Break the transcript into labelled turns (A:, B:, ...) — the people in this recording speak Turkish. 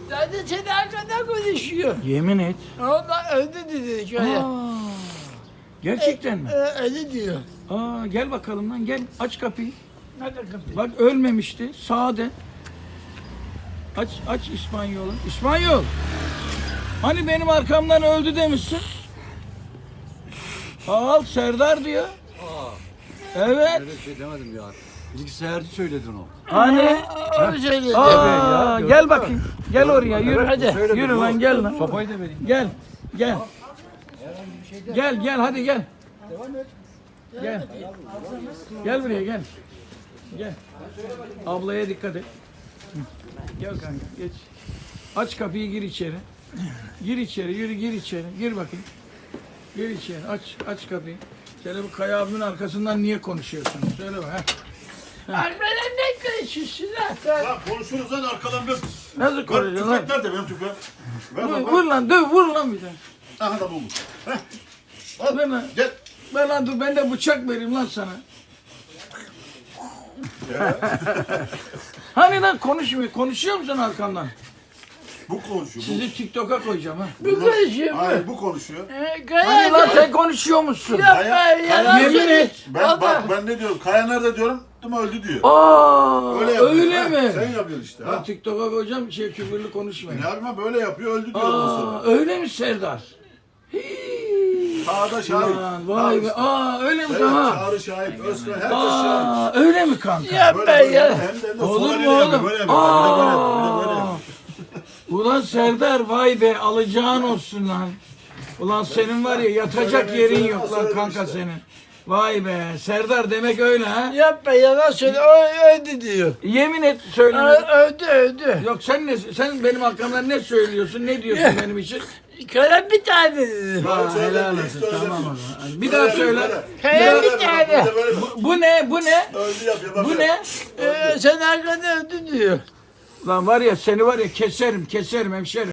A: Zaten seni arkadan konuşuyor.
B: Yemin et.
A: Ondan öldü dedi şöyle.
B: Aa, gerçekten mi?
A: Öldü diyor.
B: Aa, gel bakalım lan gel. Aç kapıyı.
A: Hadi kapıyı.
B: Bak ölmemişti. Sade. Aç İspanyol'u. İspanyol. Hani benim arkamdan öldü demişsin. Al Serdar diyor. Evet.
C: Öyle bir şey demedim ya. Bilgisayarcı söyledin o.
B: Hani?
A: Onu söyledi.
B: Aa, gel bakayım. Gel oraya yürü.
A: Hadi.
B: Yürü lan gel lan.
C: Sopayı da vereyim.
B: Gel. Gel. Gel hadi gel. Gel. Gel buraya gel. Gel. Ablaya dikkat et. Hı. Gel kanka geç. Aç kapıyı gir içeri. Gir içeri yürü gir içeri. Gir bakayım. Gir içeri aç kapıyı. Şöyle bu Kaya abimin arkasından niye konuşuyorsun? Söyle bak.
A: Arkadan ne konuşuyorsun lan?
D: Ya konuşuruz lan arkadan bir.
B: Nasıl konuşuyorsun lan?
D: Tüfek nerede benim tüfeğim? Ver
B: Vur,
D: bak.
B: vur lan döv vur lan bir de.
D: Aha da bulmuş.
B: Ver lan.
D: Gel.
B: Ver lan dur ben de bıçak vereyim lan sana. Hani lan konuşmuyor. Konuşuyor musun arkamdan?
D: Bu konuşuyor. Bu.
B: Sizi TikTok'a koyacağım ha.
A: Bu konuşuyor mu?
D: Hayır bu konuşuyor.
B: Hani lan sen konuşuyor musun?
A: Yapma yalan
B: Yemin
A: söylüyor.
B: et.
D: Ben ne diyorum? Kaya nerede diyorum? Değil mi öldü diyor.
B: Aa,
D: yapıyor.
B: öyle
D: Ha,
B: mi?
D: Sen yapıyorsun işte.
B: Ben
D: Ha.
B: TikTok'a koyacağım küfürlü konuşmayın.
D: Ne yapayım böyle yapıyor öldü diyor ondan
B: Aa,
D: sonra.
B: öyle mi Serdar? Hii.
D: Sağda şahit.
B: Lan, vay be. Aa öyle mi
D: Evet,
B: ha?
D: Çağrı şahit, Özkan herkes şahit.
B: Aa öyle mi kanka?
A: Yapma
D: Böyle
A: ya.
D: hem de
B: Olur
D: sola
B: mu
D: böyle yapıyor,
B: oğlum?
D: böyle yapıyor. Bir de böyle yapıyor, bir de böyle
B: Aa.
D: yapıyor.
B: Ulan Serdar vay be alacağın olsun lan. Ulan senin var ya yatacak yerin yok lan kanka senin. Vay be Serdar demek öyle ha.
A: Yapma yalan söyle. O öldü diyor.
B: Yemin et söyleme.
A: Öldü.
B: Yok sen benim hakkımda ne söylüyorsun ne diyorsun benim için?
A: Kara bir tane dedi.
B: Ha,
D: söyle,
B: helal
D: bir
B: olsun
D: söyle.
B: tamam o zaman. Bir daha söyle.
A: Kaya bir
D: Böyle,
A: tane.
D: böyle.
B: Bu ne bu ne?
D: Öldü yapıyor. bak
B: Bu
D: böyle.
B: ne?
A: Sen arkadan öldü diyor.
B: Lan var ya seni var ya keserim hemşerim.